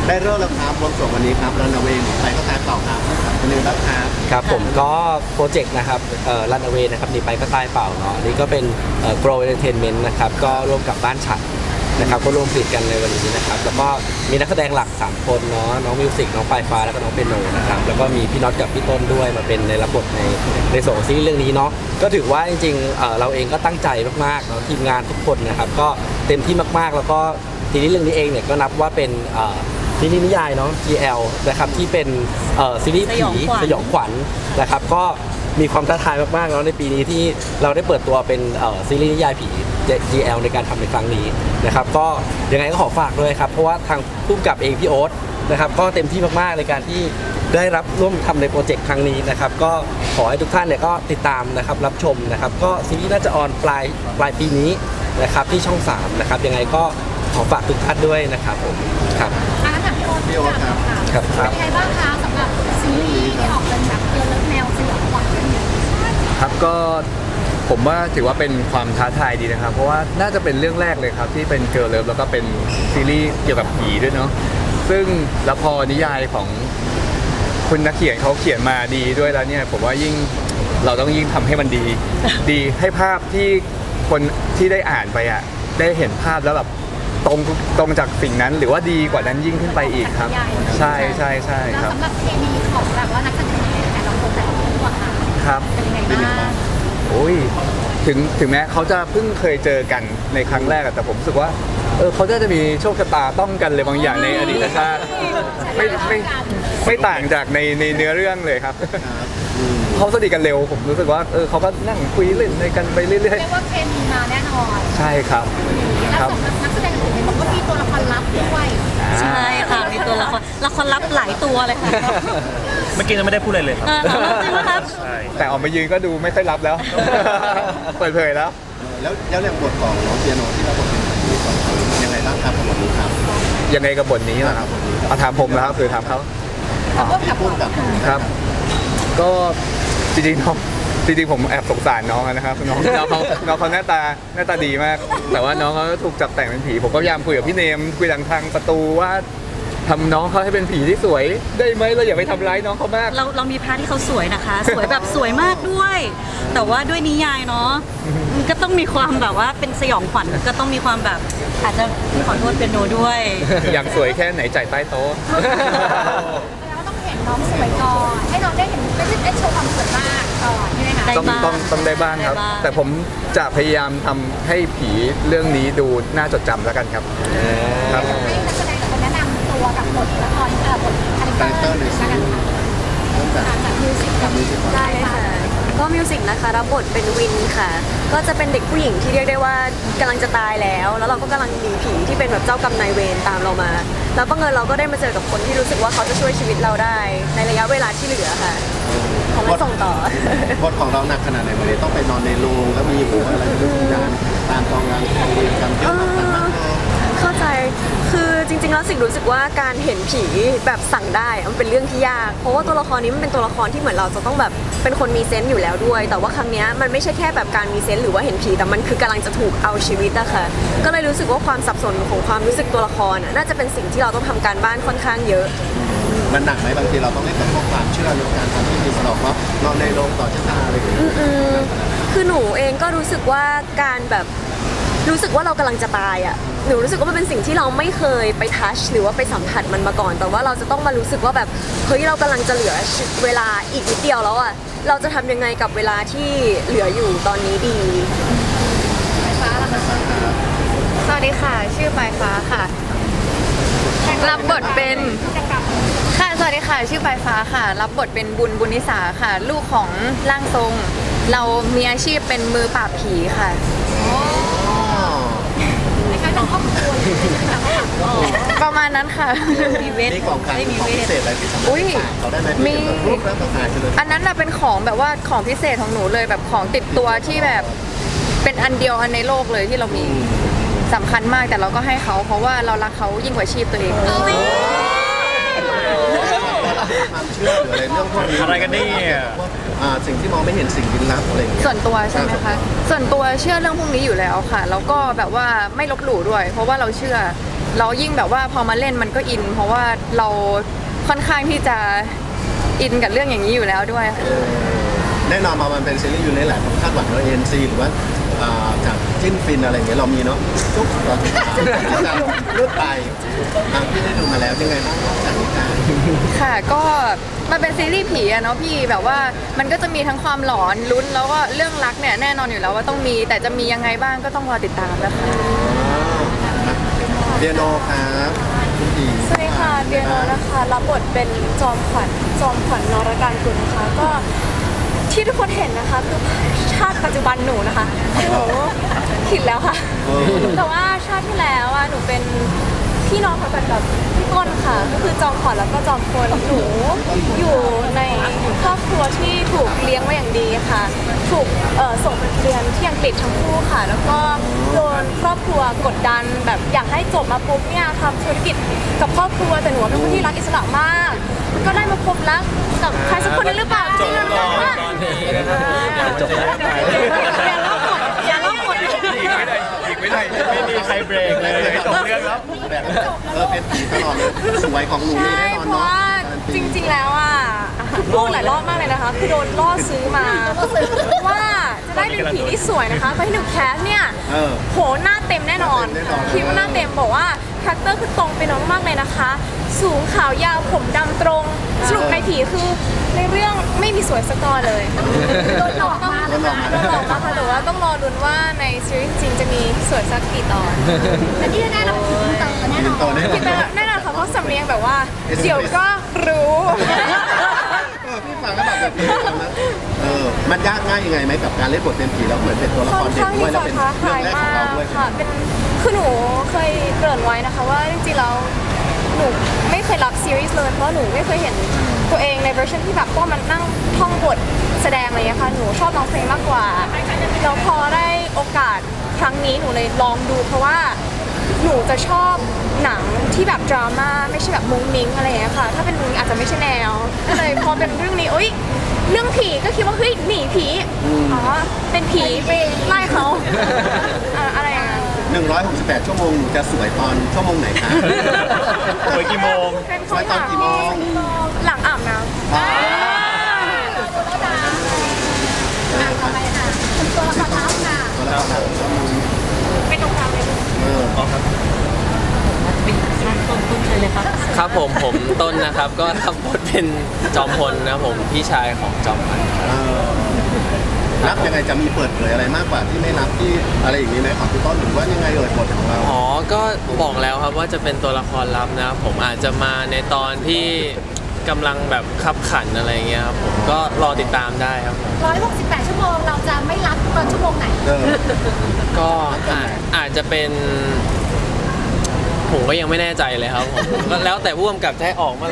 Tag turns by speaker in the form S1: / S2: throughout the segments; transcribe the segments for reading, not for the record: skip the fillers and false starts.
S1: ได้เริ่มแล้วครับรวมส่วนวันนี้ครับรันเวย์ไปก็ตายเปล่าครับเป็นยังไงบ้างครับ
S2: ครับผมก็โปรเจกต์นะครับรันเวย์นะครับหนีไปก็ตายเปล่าเนาะอันนี้ก็เป็นGrow Entertainment นะครับก็ร่วมกับบ้านฉัดนะครับก็ร่วมผลิตกันในวันนี้นะครับแล้วก็มีนักแสดงหลัก3คนเนาะน้องมิวสิกน้องปลายฟ้าแล้วก็น้องเปียโนนะครับแล้วก็มีพี่น็อตกับพี่ต้นด้วยมาเป็นในรับบทในส่วนของซีรีส์เรื่องนี้เนาะก็ถือว่าจริงๆเราเองก็ตั้งใจมากๆเนาะทีมงานทุกคนนะครับก็เต็มที่มากๆแล้วก็ซีรีส์เรื่องนี้เองเนี่ยก็นับว่าเป็นซีรีส์นิยายเนาะ GL นะครับที่เป็นซีรีส์ผีสยองขวัญนะครับก็มีความท้าทายมากๆแล้วในปีนี้ที่เราได้เปิดตัวเป็นซีรีส์นิยายผี GL ในการทำในครั้งนี้นะครับก็ยังไงก็ขอฝากด้วยครับเพราะว่าทางผู้กำกับเองพี่โอ๊ตนะครับก็เต็มที่มากๆในการที่ได้รับร่วมทำในโปรเจกต์ครั้งนี้นะครับก็ขอให้ทุกท่านเนี่ยก็ติดตามนะครับรับชมนะครับก็ซีรีส์น่าจะออนปลายปีนี้นะครับที่ช่อง3นะครับยังไงก็ขอฝากทุกท่านด้วยนะครับผมครับ
S1: พี่โอ๊ตครับ
S2: ครับ
S3: เป็นยังไงบ้างคะสำหรับซีรีส์ที่ออกเป็นแบบแนวสยองขวัญ
S4: ครับก็ผมว่าถือว่าเป็นความท้าทายดีนะครับเพราะว่าน่าจะเป็นเรื่องแรกเลยครับที่เป็นเกิร์ลเลิฟแล้วก็เป็นซีรีส์เกี่ยวกับผีด้วยเนาะซึ่งแล้วพอนิยายของคุณนักเขียนเขาเขียนมาดีด้วยแล้วเนี่ยผมว่ายิ่งเราต้องยิ่งทำให้มันดีดีให้ภาพที่คนที่ได้อ่านไปอ่ะได้เห็นภาพแล้วแบบตรงจากสิ่งนั้นหรือว่าดีกว่านั้นยิ่งขึ้นไปอีกครับใช่ใช่ใช่ครับ
S3: สำหรับเคมีของแบบว่านักแสดงแต่ละคนแต่ละตัวค่ะ
S4: ครับ
S3: เป็นยังไงบ้าง
S4: โอ้ยถึงแม้เขาจะเพิ่งเคยเจอกันในครั้งแรกแต่ผมรู้สึกว่าเขาจะมีโชคชะตาต้องกันเลยบางอย่างในอดีตชาติไม่ต่างจากในเนื้อเรื่องเลยครับเขาสนิทกันเร็วผมรู้สึกว่าเขาก็นั่งคุยเล่นในกันไปเรื่อยๆ
S3: เรียกว่าเคมีมาแน่นอน
S4: ใช่ครับ
S3: แล้วสำหรับนักแสดงอื่นบอกว่ามีตัวละครลับด้วย
S5: ใช่ค่ะมีตัวละครลับหลายตัวเลยค่ะ
S6: เมื่อกี้ยังไม่ได้พูดอะไรเลยครับ
S5: จริงไหมครับ
S4: แต่ออกมายืนก็ดูไม่ค่อยรับแล้วเปิดเผยแล้ว
S1: แล้วเรื่องบทของน้องเปียโนที่เราบทเป็นยังไงบ้างครับบทนี้ครับ
S4: ยังไงกับบทนี้ล่ะครับเอาถามผมนะครับคือถามเขาครับก็จริงๆผมแอบสงสารน้องนะครับน้องเขาหน้าตาดีมากแต่ว่าน้องเขาถูกจับแต่งเป็นผีผมก็พยายามคุยกับพี่เนมคุยทางประตูว่าทำน้องเขาให้เป็นผีที่สวยได้ไหมเราอย่าไปทำร้ายน้องเขามาก
S5: เรามีพาร์ทที่เขาสวยนะคะสวยแบบสวยมากด้วย แต่ว่าด้วยนิยายเนาะมันก็ต้องมีความแบบว่าเป็นสยองขวัญก็ต้องมีความแบบอาจจะขอโทษเปียโนด้วย
S4: อยากสวยแค่ไหนจ่ายใต้โต๊ะ
S3: แล้วต้องเห็นน้องสวยก่อนให้น้องได้เห็นไม่ใช่ได้โชว์ความสวยมากก่อนใช่ไหมคะ
S4: ต้องได้บ้างครับแต่ผมจะพยายามทำให้ผีเรื่องนี้ดูน่าจดจำแล้วกันครับ
S3: ให้นักแสดงคนแนะนำตัวกับบทละครบทคาแรคเตอร์เลยกันค่ะจากมิวสิกกับ
S7: ได้ค่ะก็มิวสิกนะคะรับบทเป็นวินค่ะก็จะเป็นเด็กผู้หญิงที่เรียกได้ว่ากำลังจะตายแล้วเราก็กำลังหนีผีที่เป็นแบบเจ้ากรรมนายเวรตามเรามาแล้วบังเอิญเราก็ได้มาเจอกับคนที่รู้สึกว่าเขาจะช่วยชีวิตเราได้ในระยะเวลาที่เหลือค่ะของเราส่งต่อบ
S1: ทของเราหนักขนาดไหนเลยต้องไปนอนในโรงแล้วมีหัวอะไรทุกอย่างตามกองงานของเรียนกันเยอะมาก
S7: เข้าใจคือจริงๆแล้วสิ่งรู้สึกว่าการเห็นผีแบบสั่งได้มันเป็นเรื่องที่ยากเพราะว่าตัวละครนี้มันเป็นตัวละครที่เหมือนเราจะต้องแบบเป็นคนมีเซนส์อยู่แล้วด้วยแต่ว่าครั้งนี้มันไม่ใช่แค่แบบการมีเซนส์หรือว่าเห็นผีแต่มันคือกำลังจะถูกเอาชีวิตอะค่ะก็เลยรู้สึกว่าความสับสนของความรู้สึกตัวละครน่าจะเป็นสิ่งที่เราต้องทำการบ้านค่อนข้างเยอะ
S1: มันหนักไหมบางทีเราต้องเล่นกับความเชื่อในการทำที่มีสนองว่านอนในโรงต่อชะตาอะไรอย่างเงี้ย
S7: คือหนูเองก็รู้สึกว่าการแบบรู้สึกว่าเรากำลังจะตายอ่ะหนูรู้สึกว่ามันเป็นสิ่งที่เราไม่เคยไปทัชหรือว่าไปสัมผัสมันมาก่อนแต่ว่าเราจะต้องมารู้สึกว่าแบบเฮ้ยเรากำลังจะเหลือเวลาอีกนิดเดียวแล้วอ่ะเราจะทำยังไงกับเวลาที่เหลืออยู่ตอนนี้ดี
S8: สวัสดีค่ะชื่อปลายฟ้าค่ะรับบทเป็นค่ะสวัสดีค่ะชื่อปลายฟ้าค่ะรับบทเป็นบุญนิสาค่ะลูกของร่างทรงเรามีอาชีพเป็นมือปราบผีค่ะประมาณนั้นค่ะ
S1: มีเวทของการของพิเศษอะไรที่สำคัญเขาได้ไหมมี
S8: อันนั้นน่ะเป็นของแบบว่าของพิเศษของหนูเลยแบบของติดตัวที่แบบเป็นอันเดียวอันในโลกเลยที่เรามีสำคัญมากแต่เราก็ให้เขาเพราะว่าเรารักเขายิ่งกว่าชีพตัวเอง
S1: ความเชื่อหรืออะไรเรื่องพวกนี้
S6: อะไรกันนี่
S1: สิ่งที่มองไม่เห็นสิ่งลี้ลับอะไรอย่างเงี้ย
S8: ส่วนตัวใช่ไหมคะส่วนตัวเชื่อเรื่องพวกนี้อยู่แล้วค่ะแล้วก็แบบว่าไม่ลบหลู่ด้วยเพราะว่าเราเชื่อเรายิ่งแบบว่าพอมาเล่นมันก็อิน เพราะว่าเราค่อนข้างที่จะอินกับเรื่องอย่างนี้อยู่แล้วด้วยค่ะ
S1: แน่นอนมามันเป็นซีรีส์อยู่ในหลายคนคาดหวังว่าเอ็นซีหรือว่าจากจิ้นฟินอะไรอย่างเงี้ยเรามีเนาะจุ๊บตอนจะเลือกไปพี่ได้ดูมาแล้วยังไงบ้างจากนี้การ
S8: ค่ะก็มันเป็นซีรีส์ผีอะเนาะพี่แบบว่ามันก็จะมีทั้งความหลอนลุ้นแล้วก็เรื่องรักเนี่ยแน่นอนอยู่แล้วว่าต้องมีแต่จะมียังไงบ้างก็ต้องรอติดตามนะคะ
S1: เปียโนครับคุณดี
S7: สวัสดีค่ะเปียโนนะคะรับบทเป็นจอมขวัญนรการกุลนะคะก็ที่ทุกคนเห็นนะคะคือชาติปัจจุบันหนูนะคะคือหนูผิดแล้วค่ะ แต่ว่าชาติที่แล้วอ่ะหนูเป็นพี่น้องกันกับพี่ต้นค่ะก็คือจอมขวัญแล้วก็จอมพลหนูอยู่ในครอบครัวที่ถูกเลี้ยงมาอย่างดีค่ะ ถูกส่งไปเรียนที่อังกฤษทั้งคู่ค่ะ แล้วก็โดนครอบครัวกดดันแบบอยากให้จบมาปุ๊บเนี่ยทำธุรกิจกับครอบครัวแต่หนูเป็นคนที่รักอิสระมาก ก็ได้มาพบรักกับใครสักคนนึงหรือเปล่าจบแล้วจบแล้วอย่าเล่าหมด
S6: ไม่มีใครเบรกเลยจบเรื่องแล้ว
S1: เป็นผีตลอดเลยสวยของหนูนี่
S7: ใช่
S1: แน่นอน
S7: เพราะ
S1: เนาะ
S7: ว่าจริงๆแล้วอ่ะพูดหลายรอบมากเลยนะคะคือโดนล่อซื้อมาว่าจะได้เป็นผีที่สวยนะคะตอนที่หนูแคสเนี่ยโหหน้าเต็มแน่นอนคิดว่าหน้าเต็มบอกว่าคาแรคเตอร์คือตรงไปน้องมากเลยนะคะ สูงขาวยาวผมดำตรงสรุปในผีคือในเรื่องไม่มีสวยสักตอนเลยโดนหลอกมาเลยค่ะโดนหลอกมาค่ะแต่ว่าต้องรอลุ้นว่าในซีรีส์จริงจะมีสวยสักกี่ตอน
S3: แต่ที่แน่ๆเราเป็นอินเตอร์แน่นอน
S7: คิดไปแน่นอนค่ะเพราะสำเนียงแบบว่า เดี๋ยวก็รู้
S1: พี่ฟังแล้วแบบนะมันยากง่ายยังไงไหมกับการเล่นบทเป็นผีแล้วเหมือนเป็นตัวละค
S7: ค่อ
S1: ร
S7: น
S1: เด็ก
S7: ข้าง
S1: ด้ว
S7: ที่
S1: ยแล้ว
S7: จะ
S1: เป็น
S7: ท้า
S1: เรื่อ
S7: ทาง ย
S1: แรกข
S7: มา
S1: องเรา
S7: ก
S1: ด้วย
S7: ค่ะเป็นคือหนูเคยเกริ่นไว้นะคะว่าจริงๆแล้วหนูไม่เคยรับซีรีส์เลยเพราะหนูไม่เคยเห็นตัวเองในเวอร์ชันที่แบบต้องมันนั่งท่องบทแสดงอะไรอย่างเงี้ยค่ะหนูชอบร้องเพลงมากกว่าแล้วพอได้โอกาสครั้งนี้หนูเลยลองดูเพราะว่าหนูจะชอบหนังที่แบบดราม่าไม่ใช่แบบมุ้งมิ้งอะไรอย่างเงี้ยค่ะถ้าเป็นมุ้งอาจจะไม่ใช่แนวก็เลยพอเป็นเรื่องนี้เรื่องผีก็คิดว่าเฮ้ยหนีผีอ๋อเป็นผีไปไล่เขาอะไรอย่างเงี้ย
S1: 168 ชั่วโมงหนูจะสวยตอนชั่วโมงไหนคะ
S6: สวยกี่โมง
S7: เป็นค
S1: สวย
S7: น
S1: ตอนกี่โมง
S7: หลังอาบน้ำ
S3: ต่อไปค่ะคุณตัวละครลับค่ะ
S1: ตัวละครชั่วโมง
S7: เป็นตรงกลางเลย
S5: เป็นข้างต้นเลยครับ
S2: ครับผมต้นนะครับก็รับบทเป็นจอมพลนะครับผมพี่ชายของจอมขวัญ
S1: รับยังไงจะมีเปิดเผยอะไรมากกว่าที่ไม่รับที่อะไรอย่างนี้ไหมของพี่ต้นหรือว่ายังไงบทของเรา
S2: อ๋อก็บอกแล้วครับว่าจะเป็นตัวละครลับนะครับผมอาจจะมาในตอนที่กำลังแบบขับขันอะไรเงี้ยครับผมก็รอติดตามได้ครับ
S3: 168 ชั่วโมงเราจะไม่รับตอนชั่วโมงไหน
S2: ก็อาจจะเป็นผมก็ยังไม่แน่ใจเลยครับผมก็แล้วแต่ผู้กำกับจะให้ออกเมื่อไหร่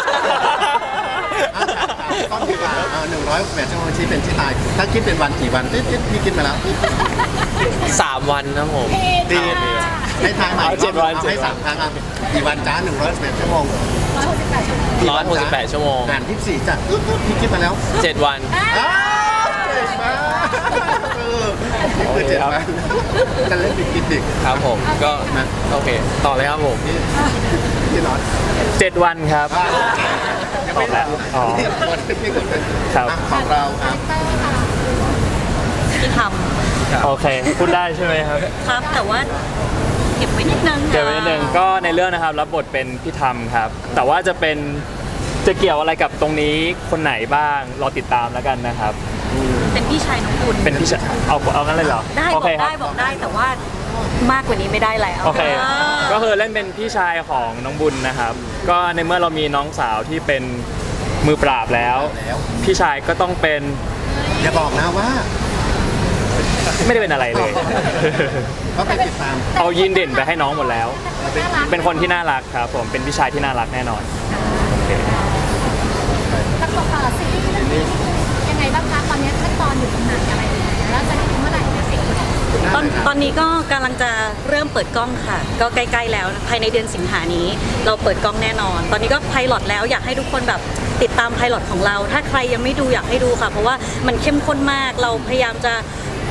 S1: ต้นดีกว่า168 ชั่วโมงชี้เป็นชี้ตาย ถ้าคิดเป็นวันกี่วันพี่คิดมาแล้ว
S2: 3 วันครับผม
S1: ดีให้ทายใหม่
S2: เอา7 วัน
S1: ให้3ครั้งกี่วันจ้า168 ชั่วโมง
S3: 168 ชั่วโมง
S2: 168 ชั่วโมง
S1: อ่าน24จ้ะพี่คิดมาแล้ว
S2: 7 วัน
S1: เก่งมากนี่คือ7 วันจะเล่นบิ๊กกินดิก
S2: ครับผมก็โอเค ต่อเลยครับผม
S1: พี่น็อต
S6: 7 วันครับ
S1: ยังไม่แล้ว
S6: อ๋อ ครับ
S1: ของเราครับ
S5: ที่ท
S6: โอเค พูดได้ใช่ไหมครับ
S5: ำครับแต่ว่าเก็บไว้นิดนึง
S6: เดี๋ยวนิดนึงก็ในเรื่องนะครับรับบทเป็นพี่ธรรมครับ แต่ว่าจะเกี่ยวอะไรกับตรงนี้คนไหนบ้างรอติดตามแล้วกันนะครับ
S5: เป็นพี่ชายน้องบุญ
S6: เป็นพี่ชายเอางั้นเลยเหรอ
S5: ได้
S6: โอบ
S5: อ
S6: เค
S5: ก
S6: ครั
S5: ได้บอกได้แต่ว่ามากกว่านี้ไม่ได้แล้ว
S6: โอเค ก็คือเล่นเป็นพี่ชายของน้องบุญนะครับ ก็ในเมื่อเรามีน้องสาวที่เป็นมือปราบแล้ว พี่ชายก็ต้องเป็น
S1: อย่าบอกนะว่า
S6: ไม่ได้เป็นอะไรเลย
S1: ก็ไปติดตาม
S6: เอายีนเด่นไปให้น้องหมดแล้ว
S3: น่ารัก
S6: เป็นคนที่น่ารักครับผมเป็นพี่ชายที่น่ารักแน่นอนโอเค
S3: แล้วก็ซีรีส์เรื่องนี้ยังไงบ้างคะตอนนี้ขั้นตอนอยู่ตรงไหนอะไรยังไงแล้วจะได้ดูเมื่อไหร่เนี่ยสิ
S5: ตอนนี้ก็กำลังจะเริ่มเปิดกล้องค่ะ ก็ใกล้ๆแล้วภายในเดือนสิงหานี้ เราเปิดกล้องแน่นอน ตอนนี้ก็ไพลอตแล้วอยากให้ทุกคนแบบติดตามไพลอตของเรา ถ้าใครยังไม่ดูอยากให้ดูค่ะ เพราะว่ามันเข้มข้นมากเราพยายามจะ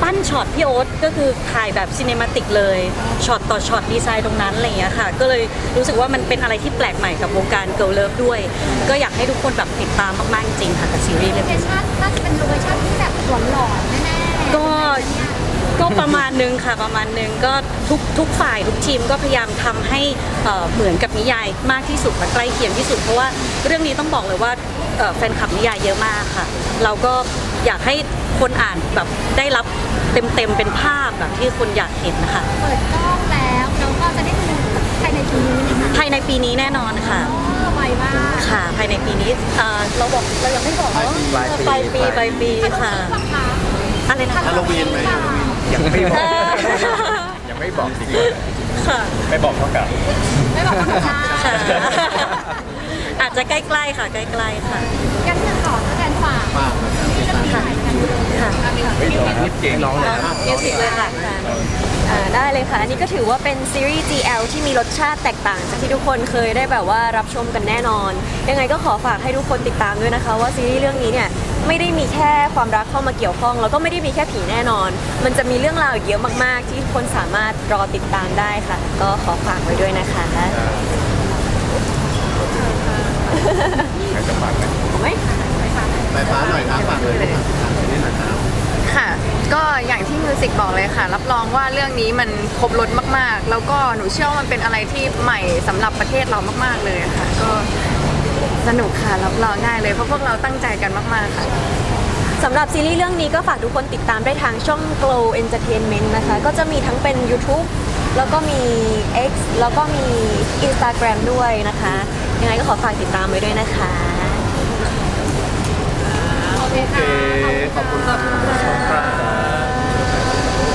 S5: ปั้นช็อตพี่โอ๊ตก็คือถ่ายแบบซีเนมาติกเลยช็อตต่อช็อตดีไซน์ตรงนั้นอะไรอย่างเงี้ยค่ะก็เลยรู้สึกว่ามันเป็นอะไรที่แปลกใหม่กับวงการเกิร์ลเลิฟด้วย ก็อยากให้ทุกคนแบบติดตามมากๆจริงๆค่ะกับซีรีส์
S3: โล
S5: เรื่อง
S3: เค
S5: นี้
S3: ชั่นน่าจะเป็นโลเคชั่นที่แบบหลอนๆแน่ๆ
S5: ก็ประมาณนึงค่ะประมาณนึงก็ทุกฝ่ายทุกทีมก็พยายามทำให้เหมือนกับนิยายมากที่สุดและใกล้เคียงที่สุดเพราะว่าเรื่องนี้ต้องบอกเลยว่าแฟนคลับนิยายเยอะมากค่ะ เราก็อยากให้คนอ่านแบบได้รับเต็มเป็นภาพแบบที่คนอยากเห็นนะคะ
S3: เปิดกล้องแล้วเราก็จะได้ดูภายในปีนี้นะคะ
S5: ภายในปีนี้แน่นอนค่ะ
S3: ไวมาก
S5: ค่ะภายในปีนี้เรายังไม่บอกเนาะปลายปีค่ะ
S3: นะคะ
S5: อะไรนะ
S1: ฮาโลวีนไหมฮาโลวีน
S4: ยังไม่บอก
S5: เออ
S4: ยังไม่บอกจริง
S5: ค่ะ
S6: ไม่บอกเท่ากับ
S3: ไม่บอกว่าค่ะ
S5: ค่ะอาจจะใกล้ๆค่ะใกล้ๆค่ะ
S3: กันจะขอแสดงฝาก
S1: ฝากนะครับ
S3: ที่จะมีถ่ายกัน
S5: ค่ะ
S4: ไม่บอกพูดเก่งน้องเลย
S5: มิวสิกเลยค่ะ
S7: ได้เลยค่ะ อันนี้ก็ถือว่าเป็นซีรีส์ GL ที่มีรสชาติแตกต่างจากที่ทุกคนเคยได้แบบว่ารับชมกันแน่นอน ยังไงก็ขอฝากให้ทุกคนติดตามด้วยนะคะ ว่าซีรีส์เรื่องนี้เนี่ยไม่ได้มีแค่ความรักเข้ามาเกี่ยวข้องแล้วก็ไม่ได้มีแค่ผีแน่นอน มันจะมีเรื่องราวอีกเยอะมากๆ ที่ทุกคนสามารถรอติดตามได้ค่ะ ก็ขอฝากไว้ด้วยนะคะ
S4: ใครจะฝากไหม
S7: ไหม
S1: ไฟฟ้าหน่อยครับฝากเลยครับนี่หน่อยครับ
S8: ค่ะ ก็อย่างที่มิวสิกบอกเลยค่ะ รับรองว่าเรื่องนี้มันครบรถมากๆ แล้วก็หนูเชื่อว่ามันเป็นอะไรที่ใหม่สำหรับประเทศเรามากๆเลยค่ะ ก็สนุกค่ะรับรองได้เลยเพราะพวกเราตั้งใจกันมากๆค่ะ
S7: สำหรับซีรีส์เรื่องนี้ก็ฝากทุกคนติดตามได้ทางช่อง Glow Entertainment นะคะ ก็จะมีทั้งเป็น YouTube แล้วก็มี X แล้วก็มี Instagram ด้วยนะคะ ยังไงก็ขอฝากติดตามไว้ด้วยนะคะ
S3: โอเคค่ะ
S1: ขอบคุณครับ